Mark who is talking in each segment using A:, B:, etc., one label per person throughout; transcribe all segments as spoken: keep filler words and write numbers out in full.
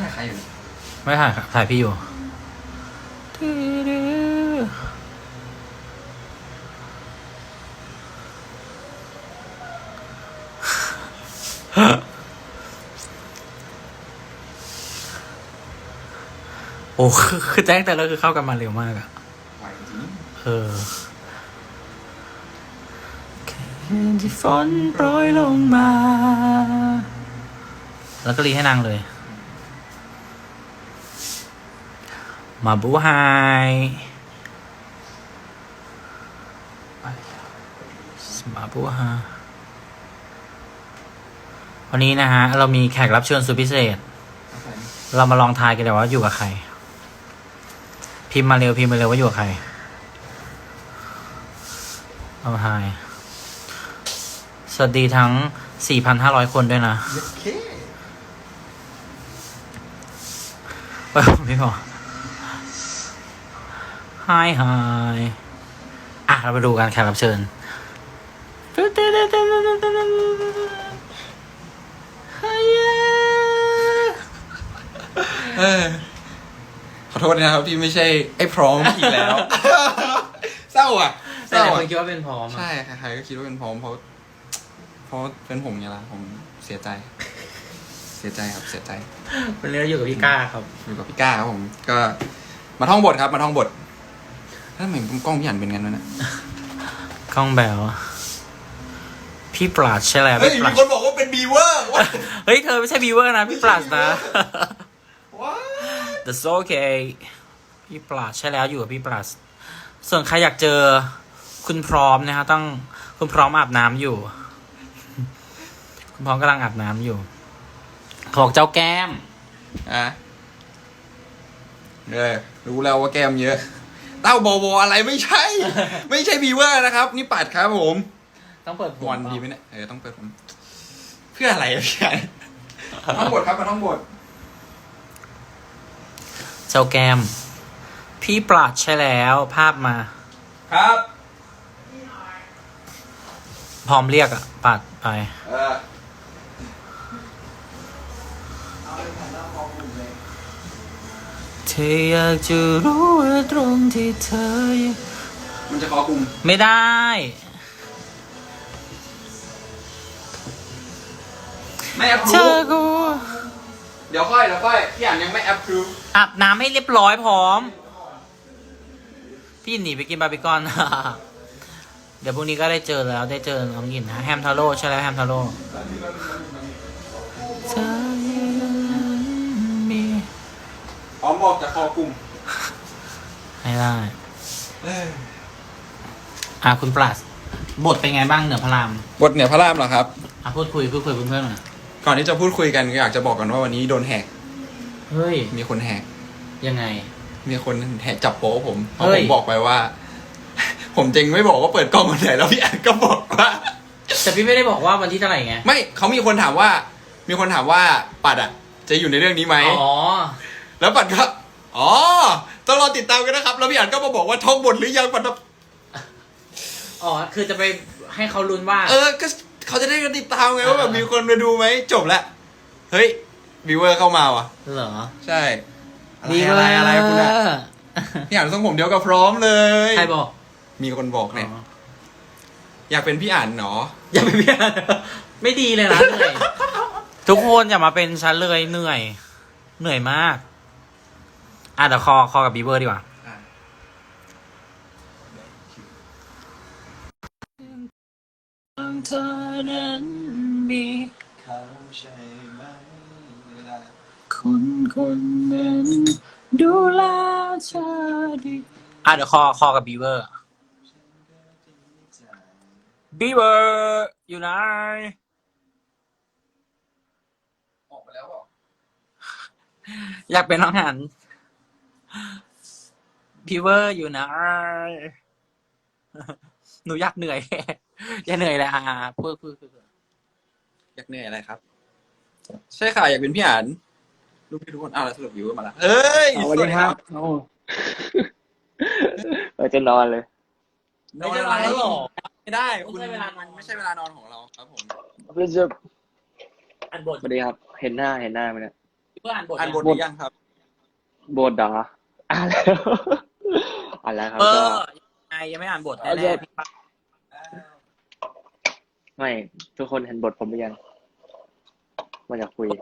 A: ถ่ายใครอยู่
B: ไม่ถ่ายถ่ายพี่อยู่โอ้คือคือแจ้งแต่แล้วคือเข้ากันมาเร็วมากอะ
A: ไหวจริง
B: เออคืนที่ฝนโปรยลงมา แล้วก็รีให้นางเลย มาบูไฮมาบูไฮวันนี้นะฮะ เรามีแขกรับเชิญสุดพิเศษ เรามาลองทายกันเลยว่าอยู่กับใคร พิมพ์มาเร็วพิมพ์มาเร็วว่าอยู่กับใครเอามาทาย สวัสดีทั้ง สี่พันห้าร้อย คนด้วยนะ
A: โอเค
B: ไปไม่พอ ฮายฮายอ่ะเราไปดูกันแขกรับเชิญ
A: เออขอโทษนะครับที่ไม่ใช่ไอ้พร้อมอีกแล้ว เศร้าอ่ะเศ
B: แต่
A: ร้า
B: ค
A: อ่ะ
B: นคิดว่าเป็นพร้อม
A: ใช่ใครๆก็คิดว่าเป็นพร้อมเพราะเพราะเป็นผมไงล่ะผมเสียใจ เสียใจครับเสียใจ
B: วันนี้เราอยู่กับพี่ก้าครับ
A: อยู่กับพี่ก้าครับผมก็มาท่องบทครับมาท่องบทถ้าเหมือนกล้องพี่หันเป็นกันวะเนี่ย
B: กล้องแบวพี่ปราดใช่แล้ว
A: เฮ้ย
B: พี่ป
A: มี
B: ราด
A: คนบอกว่าเป็นบีเวอร์
B: เฮ้ยเธอไม่ใช่บีเวอร์นะพี่ปราดนะ
A: ว้า
B: That's okay พี่ปราดใช่แล้วอยู่กับพี่ปราดส่วนใครอยากเจอคุณพร้อมนะฮะต้องคุณพร้อมอาบน้ำอยู่ คุณพร้อมกำลังอาบน้ำอยู่เขาบอกเจ้าแก้ม
A: อ่ะเออรู้แล้วว่าแก้มเยอะ เต้าบอบออะไรไม่ใช่ ไม่ใช่บีเวอร์นะครับ นี่ปัดครับผม
B: ต้องเปิดผม
A: วันดีไหมเนี่ยเออต้องเปิดผมเพื่ออะไรอะพี่ใหญ่ท่องบทครับมาท่องบท
B: เจ้าแก้ม พี่ปราดใช่แล้วภาพมา
A: ครับ
B: พร้อมเรียกอะปัดไป
A: เออ
B: เธออยากจะรู้ว่าตรงที่เธอ
A: มันจะขอกลุ่ม
B: ไม่ได้
A: ไม่แอปพ
B: เธ
A: รู
B: อกู
A: เดี๋ยวค่อยเดี๋ยวค่อยพี่อ่านยังไม่แอปพรู
B: อาบน้ำให้เรียบร้อยพร้อม พี่หนีไปกินบาร์บีคอน เดี๋ยวพรุ่งนี้ก็ได้เจอแล้วได้เจอน้องหยินนะแฮมทาโร่ใช่แล้วแฮมทาโร่เธอมี
A: พร้อมบอกจะคอกลุ่ม
B: ไม่ได้
A: เออ
B: อ่ะคุณปลัสบทเป็นไงบ้างเหนือพระราม
A: บทเหนือพระรามเหรอครับ
B: อ่ะพูดคุยพูดคุยเพื่อนๆหน่อย
A: ก่อนที่จะพูดคุยกันก็อยากจะบอกกันว่าวันนี้โดนแหก
B: เฮ้ย
A: มีคนแหก
B: ยังไง
A: มีคนแหกจับโป๊ะผมเพราะ
B: เฮ้
A: ผ
B: ย
A: มบอกไปว่า ผมจริงไม่บอกว่าเปิดกล้องวันไหนแล้วพี่แอนก็บอกว่า
B: แต่พี่ไม่ได้บอกว่าวันที่เท่าไหร่ไง
A: ไม่เขามีคนถามว่า มีคนถามว่าปัดอ่ะ จะอยู่ในเรื่องนี้ไหม
B: อ๋อ
A: แล้วปัดก็อ๋อต้องรอติดตามกันนะครับ แล้วพี่อันก็มาบอกว่าท่องบทหรือยังปัดแบบ
B: อ๋อคือจะไปให้เขาลุ้นว่า
A: เออก็เขาจะได้กันติดตามไงว่าแบบมีคนมาดูไหมจบแล้วเฮ้ยวิวเวอร์เข้ามาว่ะ
B: เหรอ
A: ใช่อะไรอะไรอะไรคุณอะพี่อันทรงผมเดียวกับพร้อมเลย
B: ใครบอก
A: มีคนบอกเนี่ย
B: อ๋อ
A: อยากเป็นพี่อันเนาะ
B: อย่าไปเพี้ยนไม่ดีเลยนะเหนื่อย ทุกคนอย่ามาเป็นฉันเลยเหนื่อย เหนื่อยมาก อ่ะเดี๋ยวคอคอกับบีเวอร์ดีกว่าเธอนั้นมีเขาใช่ไหมคนคนนั้นดูแลเธอดีอ่ะเดี๋ยวคอคอกับบีเวอร์บีเวอร์อยู่ไหน
A: ออกไปแล้วบอก
B: อยากเป็นน้องหันบีเวอร์อยู่ไหน หนูอยากเหนื่อย อย่าเหนื่อยเลยอ่ะพูดพูดพูด
A: อยากเหนื่อยอะไรครับ ใช่ค่ะอยากเป็นพี่อันลูกพี่ทุกคนอ้าวแล้วสรุปวิวเวอร์มาละเฮ้ย
C: สวัสดีครับโอ้เราจะนอนเลย
A: นอนอะไร
B: ไม่ใช่เวลาแล้วหรอ
A: ไม่ได้
B: ไม่
A: คุณ
B: ใช่เวลานอน
A: ไม่ใช่เวลานอนของเราครับผม
C: เพื่อจะ
B: อันบท
C: สวัสดีครับ เห็นหน้าเห็นหน้าไหมเนี่ย
B: บีพื่ออ่านบท
A: อ่านบทห
B: ยัง
A: รือยังครับ
C: บทเหรออ่านแล้ว อ่านแล้วครับ
B: เอ
C: ก็
B: อยังไงยังไม่อ่านบท
C: เอา
B: แน่
C: จะ
B: ๆพี่ปั๊บ
C: ไม่ทุกคนเห็นบทผมหรือยังมันอยากคุย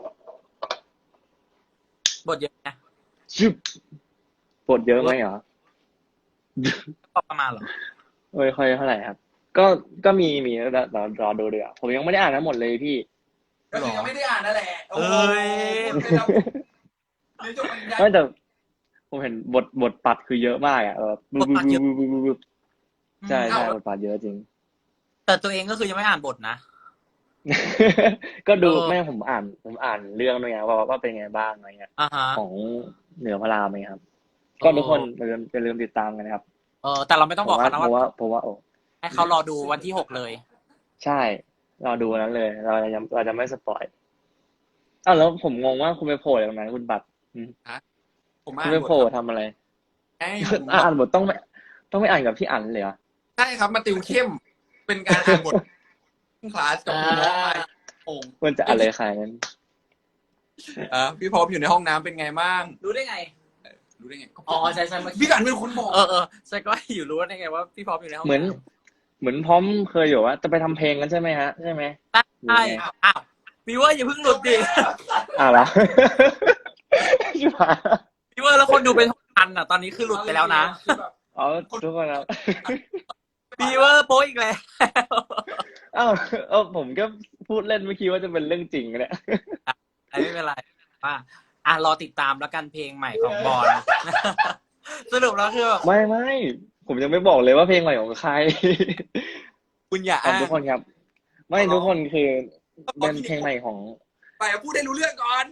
B: บทเยอะนะ
C: ชุบบทเยอะไหมเหรอ
B: ก็ประมาณเหรอ
C: ไม่ค่อยเท่าไหร่ครับ ก็ก็มีมีแล้วรอรอดูเดี๋ยวผมยังไม่ได้อ่านทั้งหมดเลยพี่
A: ก็คือยังไม่ได้อ่านนั่นแหละโอ้
B: เอ้
A: โห
B: ย
A: พูดไปแล้วเดี๋ยวจะบรรยาย
C: ไม่แต่ผมเห็นบทบทปัดคือเยอะมากอ่ะเออบึ๊บบึ๊บบึ๊บบึ๊บบึ๊บบึ๊บใช่ใช่บทปัดเยอะจริง
B: แต่ตัวเองก็คือยังไม่อ่านบทนะ
C: ก็ดู
B: เออ
C: แม่ผมอ่านผมอ่านเรื่องด้วยไงว่าว่าเป็นไงบ้างอะไรเงี้ย
B: อ่าฮะ
C: ของเหนือพระรามไหมครับ ก็ทุกคนอย่าลืมอย่าลืมติดตามกันนะครับ
B: เออแต่เราไม่ต้อง
C: ผ
B: บอก
C: มว่า
B: เขานะ
C: ผม
B: ว่า
C: ว่าผมว่าโอ้
B: ให้เขารอดูวันที่หกเลย
C: ใช่เราดูวันนั้นเลย เราจะเราจะไม่สปอยอ้าวแล้วผมงงว่าคุณไปโผล่ตรงนั้นคุณบัตรอืม
A: ผม
C: คุ
A: อ่า
C: ณ
A: น
C: ไป
A: บท
C: โผล่
A: ครับ
C: ทำอะไร
A: ใช่ผม
C: อ่านบทต้องไม่ต้องไม่อ่านกับพี่อั๋นเลยเหรอ
A: ใช่ครับมาติวเข้ม เป็นการอ่านบทคลาสกับน้องไปโอ่ง
C: มันจะอะไรขนาดนั้น
A: อ่ะพี่พร้อมอยู่ในห้องน้ำเป็นไงบ้าง
B: รู้ได้ไง
A: รู้ได้ไง
B: อ๋อใช่ใช่เมื่อกี้
A: พี่กันเป็นคนบอก
B: เออเออใช่ก็อยู่รู้ได้ไงว่าพี่พร้อมอยู่ในห้อง
C: เหมือน
B: น้
C: เหมือนพร้อมเคยอยู่ว่าจะไปทำเพลงกันใช่ไหมฮะใช่ไหม
B: ำใช่อ้าวพี่ว่าอย่าเพิ่งหลุดดิ
C: อ้าวเหรอ ชิบหาย
B: พี่ว่าแล้วคนดูเป็นหกพันอ่ะ ตอนนี้คือหลุดไปแล้วนะ
A: คือแบบ
C: อ๋อทุกคนครับ
B: พี่ว่าโป๊ะอีกแล้ว
C: อ้าวเออผมก็พูดเล่นเมื่อกี้ว่าจะเป็นเรื่องจริงเนี่ย
B: ไม่เป็นไรว่าอ่ะรอติดตามแล้วกันเพลงใหม่ของบอล สรุปแล้วคือแบบ
C: ไม่ไม่ผมยังไม่บอกเลยว่าเพลงใหม่ของใคร
A: คุณอย่า
C: ขอบ
A: อ้าง
C: ทุกคนครับ ไม่ทุกคนคือเป็นเพลงใหม่ของ
A: ไปพูดให้รู้เรื่องก่อน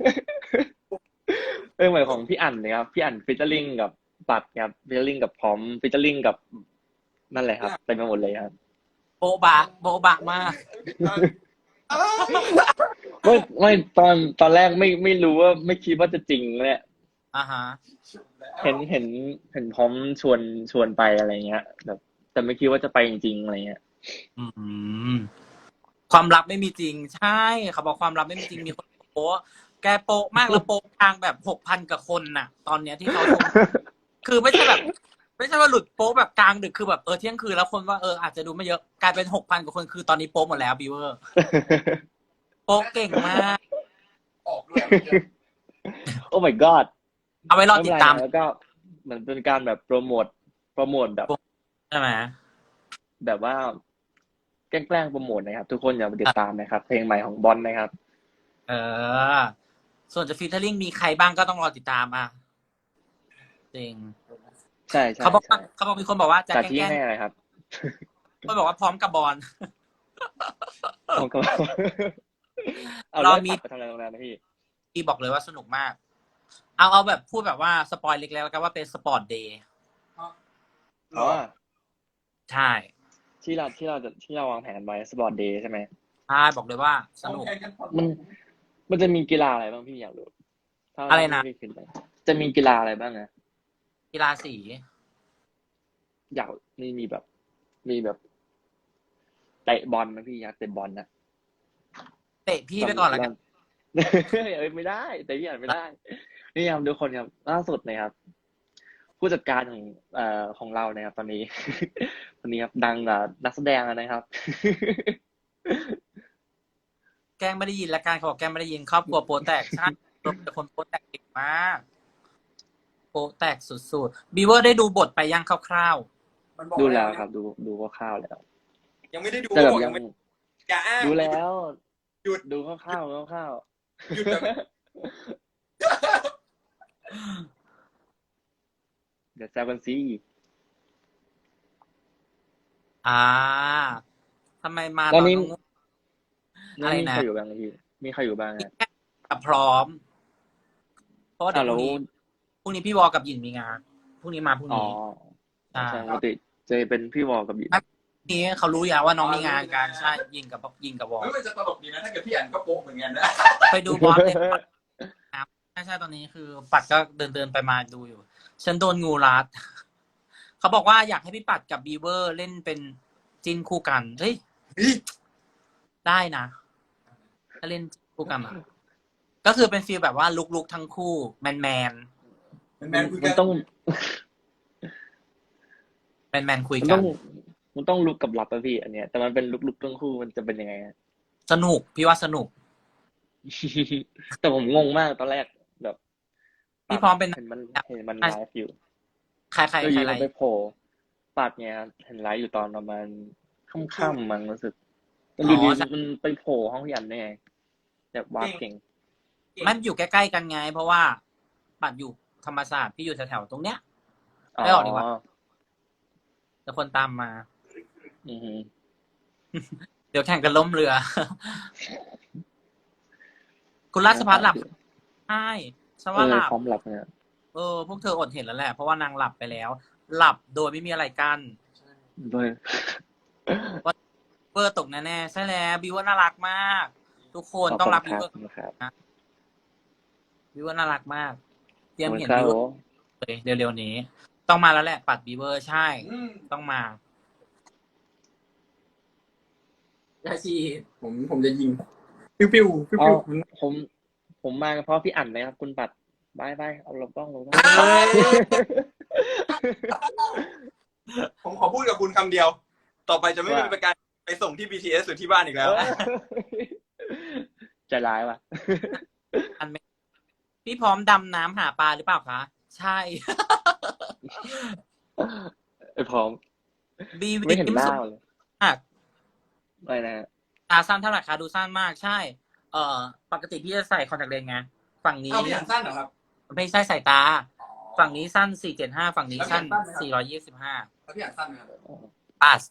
C: เพลงใหม่ของพี่อั๋นเลยครับพี่อั๋นฟิชเชอร์ลิงกับปัดครับฟิชเชอร์ลิงกับพร้อมฟิชเชอร์ลิงกับนั่นแหละครับเต็มไปหมดเลยครับ
B: โบ๊ะบะโบ๊ะบะมาก
C: ไม่ไม่ตอนตอนแรกไม่ไม่รู้ว่าไม่คิดว่าจะจริงเนี่ย
B: อ่าฮะ
C: เห็นเห็นเห็นพร้อมชวนชวนไปอะไรเงี้ยแบบแต่ไม่คิดว่าจะไปจริงๆอะไรเงี้ย
B: อืมความลับไม่มีจริง ใช่เขาบอกความลับไม่มีจริงมีคนโป๊ะแกโป๊ะมากแล้วโป๊ะทางแบบหกพันกับคนน่ะ ตอนเนี้ยที่เขาชม คือไม่ใช่แบบ ไม่ใช่ว่าหลุดโป๊ะแบบกลางดึกคือแบบเออเที่ยงคืนแล้วคนว่าเอออาจจะดูไม่เยอะกลายเป็นหกพันกว่าคนคือตอนนี้โป๊ะหมดแล้วบิวเวอร์โป๊ะเก่งมาก
A: ออกด้วย
C: โอ้ my god
B: เอาไว้รอติดตาม
C: ไเป็นไรนะแล้วก็เหมือนเป็นการแบบโปรโมทโปรโมทแบบ
B: ใช่ไหม
C: แบบว่าแกล้งๆโปรโมทนะครับ ทุกคนอย่าไปติดตามนะครับ เพลงใหม่ของบอลนะครับ
B: เออ ส่วนจะฟีเจอริ่งมีใครบ้างก็ต้องรอติดตามอ่ะจริง
C: ใช่ใช่
B: เขาบอก
C: ใช่
B: เขาบอกมีคนบอกว่าจะ
C: จัด
B: แก
C: ที่
B: ล้ง
C: ให้อะไรครับ
B: คนบอกว่าพร้อมกับบอล
C: ผมก็ เอา
B: เรา
C: แล้ว
B: มี
C: ปัดไปทำอะไรตรงนั้นนะพี่
B: พี่บอกเลยว่าสนุกมาก เอาเอาแบบพูดแบบว่าสปอยเล็กๆแล้วกันว่าเป็นสปอร์ตเดย์
C: อ๋อ
B: ใช่
C: ที่เราที่เราจะที่เราวางแผนไว้สปอร์ตเดย์ใช่ไหม
B: ใช่บอกเลยว่าสนุก
C: มันมันจะมีกีฬาอะไรบ้างพี่อยากรู้ถ้า
B: อะไรนะ
C: ที่พี่คิดไปจะมีกีฬาอะไรบ้างนะ
B: กีฬาสี
C: อยากมีมีแบบ มีแบบเตะบอลนะพี่อยากเตะบอลนะ
B: เตะพี่ไปก่อนแล้วกัน
C: เอ้ยไม่ได้ แต่พี่อ่านไม่ได้ นี่ครับทุกคนครับล่าสุดนะครับ ผู้จัดการของเอ่อของเรานะครับ ตอนนี้ ตอนนี้ครับดังกว่านักแสดงแล้วนะครับ
B: แกล้งไม่ได้ยินและการเขาบอกแกล้งไม่ได้ยินครอบครัวโปรแตกใช่แต่คนโปรแตกเก่งมากโปรแตกสุดๆบีเวอร์ได้ดูบทไปยังคร่าว
A: มันบอก
C: ดูแล้วครับ ดูดูคร่าวๆแล้ว
A: ยังไม่ได้ดู
C: แต่แบบ
A: บอก
C: ยั
A: ยัง งไม่อย่าอ้าง
C: ดูแล้ว
A: หยุด
C: ดูคร่าวๆคร่าว
A: หยุดแบบ
C: ๆเดี๋ยวแซวกันซี
B: ๆอ่าทำไมมา
C: ตอนนี้
B: ง อะไร
C: มี
B: นะ
C: ใครอยู่บ้างพี่มีใครอยู่บ้างฮะ
B: กับพร้อม เพราะว่าเดี๋
C: อ่า
B: ยวพ
C: แล้
B: รุ่
C: ว
B: งนี้พรุ่งนี้พี่วอกับหยินมีงานพรุ่งนี้มาพรุ่ง
C: อ๋อ
B: นี้ ใช่
C: ใช่ปกติเจเป็นพี่วอลกับหยิน
B: พรุ่งนี้เขารู้อย่างว่าน้องมีงานกันใช่ยินกับยินกับวอ
A: เฮ้ยมันจะตลกดีนะถ้าเกิดพี่อันก็โป๊ะเหมือนกันนะ
B: ไปดูบอสเลยใช่ใช่ตอนนี้คือ ปัดก็เดินเดินไปมาดูอยู่ ฉันโดนงูรัด เขาบอกว่าอยากให้พี่ปัดกับบีเวอร์เล่นเป็นจินคู่กันเฮ้ย ได้นะ ถ้าเล่นคู่กันอะก็ก็คือเป็นฟีลแบบว่าลุกๆทั้งคู่แมนแมน
A: แมนๆคุย
C: มั
A: กัน น
C: ต้อง
B: แมนแมนคุย
C: มัน
B: กั
C: ต้
B: น
C: องมันต้องลุกกับลับอะพี่ อันเนี้ย แต่มันเป็นลุกๆทั้งคู่มันจะเป็นยังไงอะ
B: สนุกพี่ว่าสนุก
C: แต่ผมงงมากตอนแรกแบบ
B: พี่พร้อมเป็น
C: เห็นมันเห็นมัน
B: อ่ะ
C: ไลฟ์อยู่
B: ใครใคร
C: แล้วอ
B: ใคร
C: ยู่
B: ไร
C: มันไปโผล่ปัดเนี่ยเห็นไลฟ์อยู่ตอนประมาณค่ำๆมั้งรู้สึกมันอยู่
B: อ๋
C: ดี
B: อใช่
C: มันไปโผล่ห้องยันได้ไงแบบวาร์ปเก่ง
B: มันอยู่ใกล้ๆกันไง เพราะว่าปัดอยู่ธรรมศาสตร์พี่อยู่แถวๆตรงเนี้ย
C: อ๋อ
B: ไม่ออกดีกว่า แต่คนตามมา
C: อือฮึ
B: เดี๋ยวแข่งกันล้มเรือ คุณราชพัฒน์หลับใช่ฉัน
C: เอ
B: ว่า
C: อ
B: หลับ
C: พร้อมหลับเนี่ย
B: เออพวกเธออดเห็นแล้วแหละ เพราะว่านางหลับไปแล้ว หลับโดยไม่มีอะไรกัน
C: ด้วย
B: เบอร์ตกแน่ๆใช่แล้วบิวว่าน่ารักมาก ทุกคน
C: ขอบ
B: ต้อง
C: คุณ
B: รับ
C: ค
B: บิว
C: รับ
B: เวอร์
C: นะครับ
B: บิวว่าน่ารักมาก เตรียม
C: ขอบคุณ
B: เห็น
C: ครับ
B: บิว
C: ผม
B: เลยเร็วๆนี้ ต้องมาแล้วแหละ ปัดบิวเวอร์ใช่
A: อืม
B: ต้องมา
A: ยาชีผมผมจะยิง ปิ้วปิ้วปิ้ว
C: เอา
A: ปิ้ว
C: ผม ผมมาเพราะพี่อั่นเลยครับ คุณปัดบายบายเอาลงกล้องลงกล้อง
B: เฮ้ย
A: ผมขอพูดกับคุณคำเดียว ต่อไปจะไม่
C: ว่า
A: เป็นการไปส่งที่ บี ที เอส หรือที่บ้านอีกแล้ว
C: ใจร้ายว่ะ
B: อันไม่พี่พร้อมดำน้ำหาปลาหรือเปล่าคะ ใช่
C: ไอ้พร้อม
B: บี
C: ไม่เห็น
B: วิม
C: หน้า
B: สุด
C: เลย
B: มาก
C: อะไรนะฮะ
B: ตาสั้นเท่าไหร่คะดูสั้นมากใช่ เอ่อ ปกติพี่จะใส่คอนแทคเลนส์ไง ฝั่งนี้
A: เอาพี่อ่านสั้นเหรอครับ
B: ไม่ใช่สายตา ฝั่งนี้สั้นสี่เจ็ดห้าฝั่งนี้สั้น
A: แล้วพี่อ่านสั้นไหมครับ
B: สี่ร้อยยี่สิบห้า
A: แล้วพี่อ่านสั้นไหมครับ
B: ปัส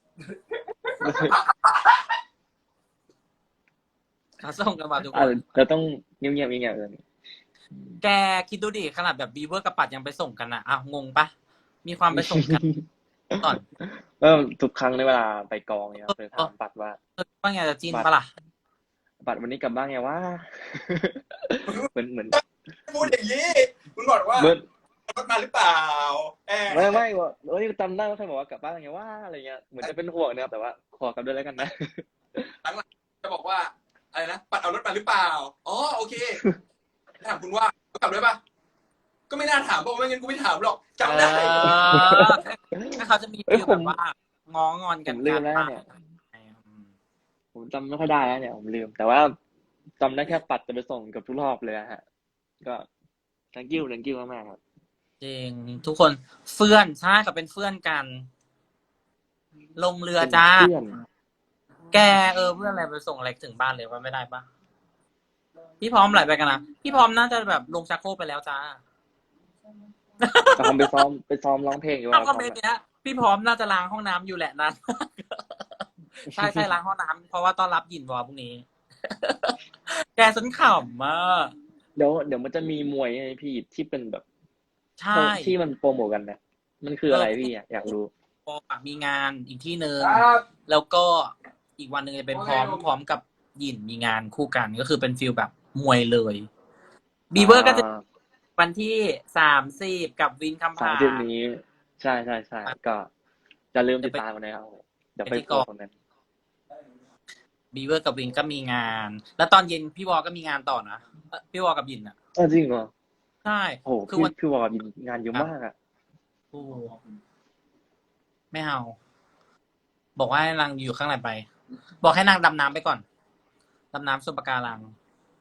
B: เขาส่งกันมาทุกค
C: อ่ะ
B: น
C: เราต้องเงียบๆเงียบๆเลย
B: แกคิดดูดิขนาดแบบบีเวอร์กับปัดยังไปส่งกันอ่ะอ้าวงงปะมีความไปส่งกันก่อน
C: เออทุกครั้งในเวลาไปกองเนี่ยเคยถามปัดว่า
B: เออว่าไงจะจีนปะล่ะ
C: ปัดวันนี้กลับบ้านไงวะ เหมือนเหมือน
A: พูดอย่างนี้ คุณบอกว่า
C: เหมือน
A: รถมาหรือเปล่าแอบ
C: ไม่ไม่ว่าเอ้ยจำได้ว่าใครบอกว่ากลับบ้านไงวะอะไรเงี้ยเหมือนจะเป็นห่วงนะครับแต่ว่าขอกลับด้วยแล้วกันนะ
A: จะบอกว่าอะไรนะปัดเอารถมาหรือเปล่าอ๋อโอเคถามคุณว่ากลับด้วยปะก็ไม่น่าถามเพราะไม่งั้นกูไม่ถามหรอกจำได้
B: เออถ้าเขาจะมี
C: เอ้ย
B: ฟีล
C: ผ
B: แบ
C: ม
B: บว่าง้องอนกัน
C: ผมลืมแล้วเนี่ย
B: อืม
C: ผมจำไม่ค่อยได้แล้วเนี่ยผมลืม แต่ว่าจำได้แค่ปัดจะไปส่งเกับทุกรอบเลยอะฮะ ก็ thank you thank you มากๆครับ
B: จริงทุกคนเฟื่อนใช่กับเป็นเฟื่อนกัน ลงเรือจ้า
C: เป็นเพื่อน
B: แกเออเพื่อนอะไรไปส่งอะไรถึงบ้านเลยว่าไม่ได้ปะพี่พร้อมไหลไปกันนะพี่พร้อมน่าจะแบบลงชักโครกไปแล้วจ้า
C: ตอนไปซ้อมไปซ้อมร้องเพลงอยู่
B: เอา
C: ว่า
B: คอมเมนต์เนี้ยพี่พร้อมน่าจะล้างห้องน้ำอยู่แหละนั้น ใช่ใช่ล้างห้องน้ำเพราะว่าต้อนรับหยินวอพรุ่งนี้ แกสนขำมาก
C: เดี๋ยวเดี๋ยวมันจะมีมวยไงพี่ที่เป็นแบบ
B: ใช่
C: ที่มันโปรโมทกันนะมันคืออะไรพี่อะอยากรู้
B: พอมีงานอีกที่หนึ่ง
A: ครับ
B: แล้วก็อีกวันหนึ่งจะเป็นพร้อม
A: โอเค
B: พร้อมกับหยินมีงานคู่กันก็คือเป็นฟิลแบบมวยเลยบีเวอร์ก็จะวันที่สามสิบกับวินคำ
C: สาม
B: ผา
C: สิบนี้ ใช่ใช่ใช่ก็จะลืมติดตามกันนะครับเดี๋ยวไป
B: ไปที่
C: โก
B: กอง
C: คนนั้น
B: บีเวอร์กับวินก็มีงาน แล้วตอนเย็นพี่วอก็มีงานต่อนะเอ่อพี่วอกับยินอ่ะ
C: เออจริงเหรอ
B: ใช่
C: โอ้โห
B: คือ
C: พี่
B: วัน
C: พี่วอมีงานเยอะมากอ่ะ
B: โอ้ไม่เอา บอกว่าให้นางอยู่ข้างในไป บอกให้นางดำน้ำไปก่อนดำน้ำชมปะการัง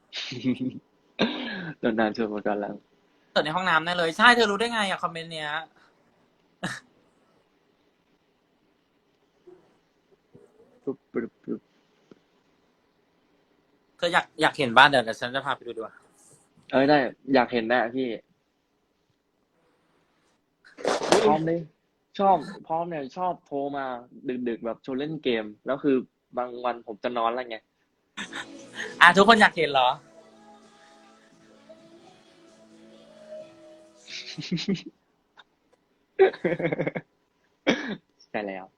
C: โดนนานชวนมาก่อนแล้ว
B: เกิดในห้องน้ำแน่เลยใช่เธอรู้ได้ไงอะคอมเมนต์เนี้ย
C: ปุ๊บปุ๊บปุ๊บ
B: เธออยากอยากเห็นบ้านเดี๋ยวเดี๋ยวฉันจะพาไปดูดีกว่า
C: เอ้ยได้อยากเห็นแน่พี่พร้อมเลยชอบพร้อมเนี่ยชอบโทรมาดึกๆแบบชวนเล่นเกม แล้วคือบางวันผมจะนอนแล้วไง
B: อ่ะทุกคนอยากเห็นเหรอ
C: ใช่แล้ว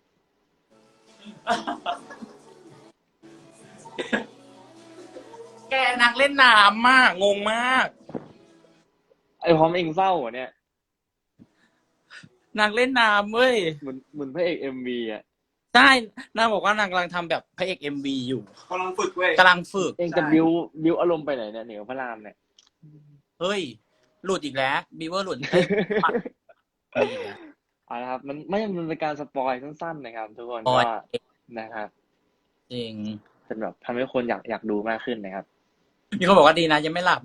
B: แกนักเล่นน้ำมากงงมาก
C: ไอ้พร้อมเองเศร้าเหรอเนี่ย
B: นางเล่นน้ำเว้ย
C: เหมือนเหมือนพระเอกเอ็มวีอ่ะ
B: ใช่นางบอกว่านางกำลังทำแบบพระเอกเอ็มวีอยู่
A: กำลังฝึกเว้ย
B: กำลังฝึก
C: เองจะบิวบิวอารมณ์ไปไหนเนี่ยเหนือพระรามเนี่ย
B: เฮ้ย หลุดอีกแล้วบีเวอร์หลุดเอ้ยปัดอีกแล้ว
C: เอาละครับมันไม่มันเป็นการสปอยสั้นๆนะครับ ทุกคน
B: ปอ
C: ก็
B: ย
C: นะครับ
B: จริง
C: เป็นแบบทำให้คนอยากอยากดูมากขึ้นนะครับ
B: มีคนบอกว่าดีนะยังไม่หลับ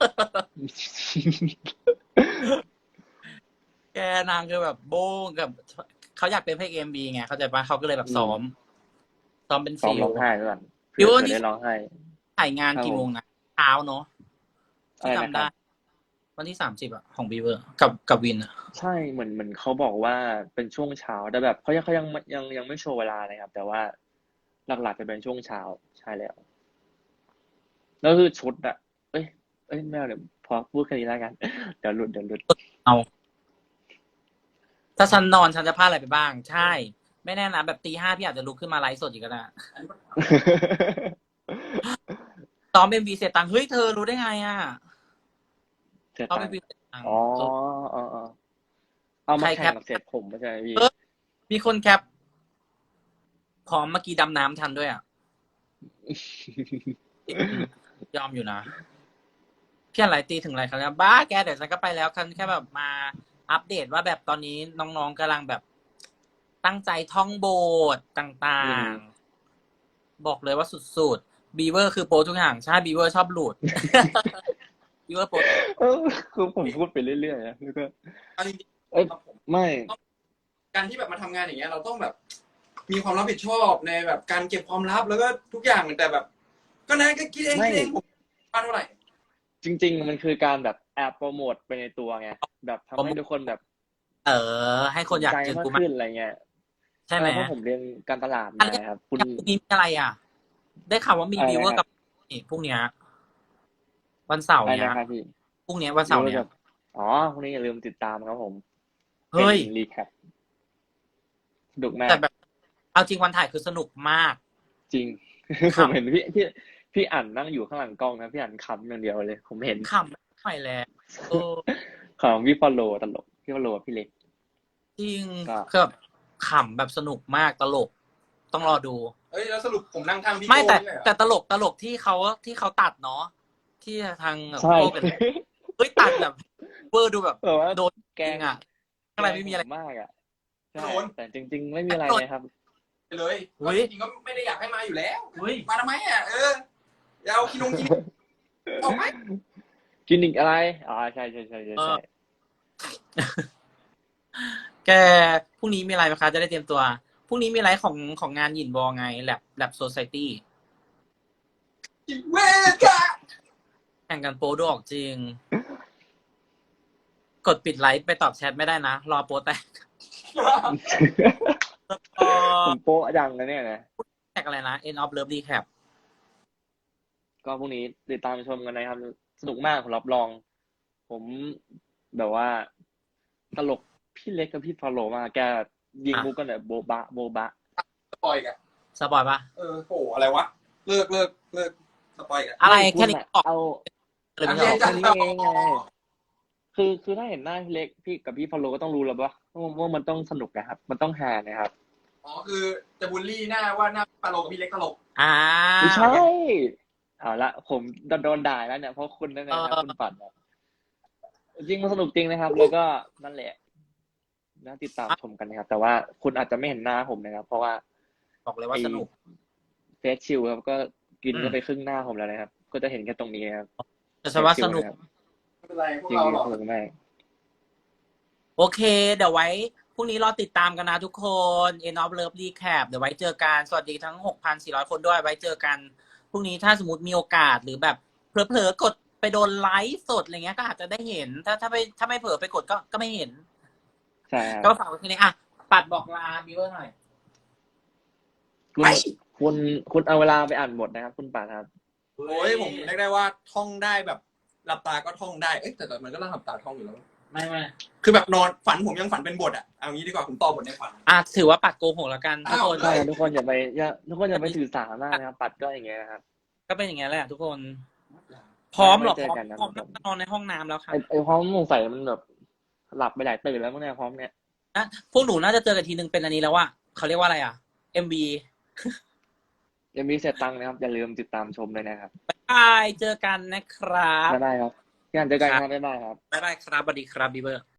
B: แกนางคือแบบโบ้งกับเขาอยากเป็นพระเอกเอ็มบีไงเข้าใจปะเขาก็เลยแบบซ้อมซ้อมเป็น
C: ซ้อม
B: ฟิล
C: ร้องไห้ด้วยกัน
B: ฟิ
C: เพื่
B: ว
C: อ
B: นี่
C: จะได้ร้องไห้
B: ถ่ายงาน
C: ครับ
B: กี่โมงนะเช้าเนาะ
C: อะ
B: ที่
C: ไรนะ
B: จำ
C: ค
B: ได้
C: รับ
B: วันที่สามสิบอะของบีเวอร์กับกับวินอะ
C: ใช่เหมือนเหมือนเขาบอกว่าเป็นช่วงเช้าแต่แบบเขายังเขายังยังยังไม่โชว์เวลานะครับ แต่ว่าหลักๆจะเป็นช่วงเช้าใช่แล้วแล้วคือชุดอะเอ้ยเอ้ยไม่เอาเดี๋ยวพอพูดแค่นี้แล้วกัน เดี๋ยวหลุดเดี๋ยวหลุด
B: เอาถ้าฉันนอนฉันจะพลาดอะไรไปบ้าง ใช่ ไม่แน่นะแบบตีห้าพี่อาจจะลุกขึ้นมาไลฟ์สดอีกก็ได้ซ้อมเอ็มบีเสร็จตังค์เฮ้ยเธอรู้ได้ไงอะ
C: เสีย
B: ซ้อม
C: ตั
B: เอ็
C: ง
B: มบี
C: ค์
B: เสร็จตังค์
C: อ๋อ
B: เออ
C: อ๋ออ๋อเอามา
B: ใคร
C: แข่ง
B: แคป
C: กับเสร็จผมไม่ใช่ไหมพี่
B: เออ มีคนแคปพร้อมเมื่อกี้ดำน้ำทันด้วยอ่ะ ยอมอยู่นะพี่อะไรตีถึงอะไรครับเนี่ยบ้าแกเดี๋ยวฉันก็ไปแล้วคันแค่แบบมาอัปเดตว่าแบบตอนนี้น้องๆกำลังแบบตั้งใจท่องโบสถ์ต่า
C: อื
B: ง
C: ม
B: ๆ บอกเลยว่าสุดๆบีเวอร์คือโปรทุกอย่างใช่บีเวอร์ชอบหลุด บีเวอร์โปร
C: เออคือผมพูดไปเรื่อยๆนะแล้วก็
A: เอาจริง
C: เอ้ย
A: ๆครับผม
C: ไม่
A: การที่แบบมาทำงานอย่างเงี้ยเราต้องแบบ มีความรับผิดชอบในแบบการเก็บความลับแล้วก็ทุกอย่างแต่แบบ ก็นะก็คิดเอง
C: ไม่
A: คิดเองผมว่าเท่าไหร่
C: จริง ๆ มันคือการแบบแอบโปรโมทไปในตัวไงแบบทำให้ทุกคนแบบ
B: เออ ให้คนอยาก
C: ใจ
B: เจอ
C: มาก
B: กูมาก
C: ขึ้นอะไรเงี้ย
B: ใช่ไหม
C: เพราะผมเรียนการตลาด
B: อัน
C: มา
B: นี้
C: ครับ คุณ
B: พรุ่งนี้มีอะไรอ่ะ ได้ข่าวว่ามี
C: อะไร
B: บีเวอร์
C: นะค
B: กั
C: รั
B: บบ นี่พรุ่งเนี้ยวันเสาร์
C: อะไร
B: เนี้ย
C: นะครับพี่
B: พรุ่งเนี้ยวันเสาร์เนี้ย
C: อ๋อพรุ่งนี้อย่าลืมติดตามครับผม
B: เฮ้ย
C: เป็นรีแคปสนุกมา
B: แต่
C: ก
B: แบบ เอาจริงวันถ่ายคือสนุกมาก
C: จริง
B: ค
C: ผ
B: รับ
C: มเห็นพี่พี่พี่อ่านนั่งอยู่ข้างหลังกล้องนะพี่อ่านขำอย่างเดียวเลย ผมเห็น
B: ขำไม่ไหวแล้วเออ
C: ของพี่ฟอลโลตลกพี่ฟอลโลพี่เล็ก
B: จริง
C: ก็
B: คือแบบขำแบบสนุกมากตลก ต้องรอดู
A: เอ้ยแล้วสรุปผมนั่งทางพี่
B: ไม่
A: โก้
B: แต่
A: นี่เลยเหรอ
B: แต่ตลกตลกที่เขาที่เขาตัดเนาะที่ทางแบบ
C: ใช่
B: โก้กันเฮ้ยตัดแบบเวอร์ดูแบบ
C: แบบว่า
B: โดน
C: แก
B: จ
C: ง
B: ริงอ่ะอะไรไม่มีอะไร
C: มากอ่ะใช่
A: โดน
C: แต่จริง ๆ ไม่มีอะไรเลยครับ
A: ไปเลย
B: เฮ้
A: ก็
B: ย
A: จริงๆก็ไม่ได้อยากให้มาอยู่แล้ว
B: เฮ้ย
A: มาทำไมอ่ะเอออย่าเอาคินงคินออกไหม
C: กินอีกอะไรอ๋อใช่ใช่ใช่ใช่
B: เอ
C: ใช่
B: อ แกพรุ่งนี้มีอะไรไหมคะจะได้เตรียมตัวพรุ่งนี้มีอะไรของของงานหยินบอไงแลบแลบโซไซตี้
A: เวกะ
B: แข่งกันโปรดูออกจริง กดปิดไลฟ์ไปตอบแชทไม่ได้นะ รอโปรแตกเออ
C: ผมโป๊ะดังนะเนี่ยนะ
B: แท็กอะไรนะ end of love recap
C: ก็พรุ่งนี้ติดตามชมกันนะครับ สนุกมากผมรับรอง ผมแบบว่า ตลกพี่เล็กกับพี่ฟอลโลมากแกยิง
B: อ่ะ
C: มุกกันแบบโบบะโบบะ
A: สปอยล์กัน
B: สปอยปะ
A: เออโหอะไรวะเลิกเลิกเลิกสปอยล์กัน
B: อะไร
C: ไม่
B: แค่นี้
C: ณะ
B: ออก
C: เอา
B: เลย
A: อั
B: ไม่
A: น
B: ใช่
A: นี้
B: หรอ
C: แค่นี้เองไง คือคือถ้าเห็นหน้าพี่เล็กพี่กับพี่ฟอลโลก็ต้องรู้แล้วว่าว่ามันต้องสนุกนะครับ มันต้องฮานะครับ
A: อ๋อคือจะบูลลี่หน้าว่าหน้าปาโลกับพี่เล็กตลก
B: อ่า
C: ไม่ใช่เอาละผมโดนด่าแล้วเนี่ยเพราะคุณนั่นนะครับ
B: เออ
C: คุณปัดนะจริงมันสนุกจริงนะครับ แล้วก็นั่นแหละน่าติดตามชมกันนะครับ แต่ว่าคุณอาจจะไม่เห็นหน้าผมนะครับ เพราะว่า
B: บอกเลยว่าสนุก
C: เฟสชิลครับก็กิน
B: อืม
C: ก็ไปครึ่งหน้าผมแล้วนะครับ ก็จะเห็นแค่ตรงนี้นะครับ
B: แต่ฉันว่าสนุก
A: ไม่เป็นไรพวก
C: จริง
A: เรา
C: ๆ
A: หรอก
C: สนุกมาก
B: โอเค เดี๋ยวไว้พรุ่งนี้รอติดตามกันนะทุกคน end of love recap เดี๋ยวไว้เจอกัน สวัสดีทั้ง หกพันสี่ร้อย คนด้วย ไว้เจอกัน พรุ่งนี้ถ้าสมมติมีโอกาสหรือแบบเผลอๆกดไปโดนไลฟ์สดอะไรเงี้ยก็อาจจะได้เห็น ถ้าถ้าไม่ถ้าไม่เผลอไปกดก็ก็ไม่เห็น
C: ใช่ครับ
B: ก็ฝากไว้ทีนี้อ่ะ ปัดบอกลาบิวเวอร์หน่อย
C: คุณคุณคุณเอาเวลาไปอ่านบทนะครับ คุณปัดครับ
A: โอ้ยผมเรียกได้ว่าท่องได้แบบหลับตาก็ท่องได้เอ้ยแต่แต่มันก็ต้องหลับตาท่องอยู่แล้ว
B: ไม่ไม่
A: คือแบบนอนฝันผมยังฝันเป็นบทอ่ะเอางี้ดีกว่าผมต่อบทในฝัน
B: อ่ะถือว่าปัดโกหกแล้วกันทุกคน
A: อ้าว
C: ใช่ครับทุกคนอย่าไปอย่าทุกคนอย่าไปถือสาหน้านะครับ ปัดก็อย่างเงี้ยนะครับ
B: ก็เป็นอย่างเงี้ยแหละทุกคน พร้อมหรอ
C: ไว้
B: พ
C: เจ
B: ร้อ
C: อ
B: ม
C: กันนะ
B: พร้อมนอนในห้องน้ำแล้วค่ะ
C: ไอ้ไอ้พร้อมสงสัยมันแบบหลับไปหลายตื่นแล้วมั้งเนี่ยพร้อมเนี่ย
B: นะพวกหนูน่าจะเจอกันทีนึงเป็นอันนี้แล้วว่าเขาเรียกว่าอะไรอ่ะ เอ็ม บี
C: ยังมีเสียตังค์นะครับ อย่าลืมติดตามชมเลยนะครับ
B: บายเจอกันนะครับ
C: บ๊ายบายครับพี่อันเจอกันครับบ๊ายบายครับ
B: บ๊ายบายครับสวัสดีครับบีเบอร์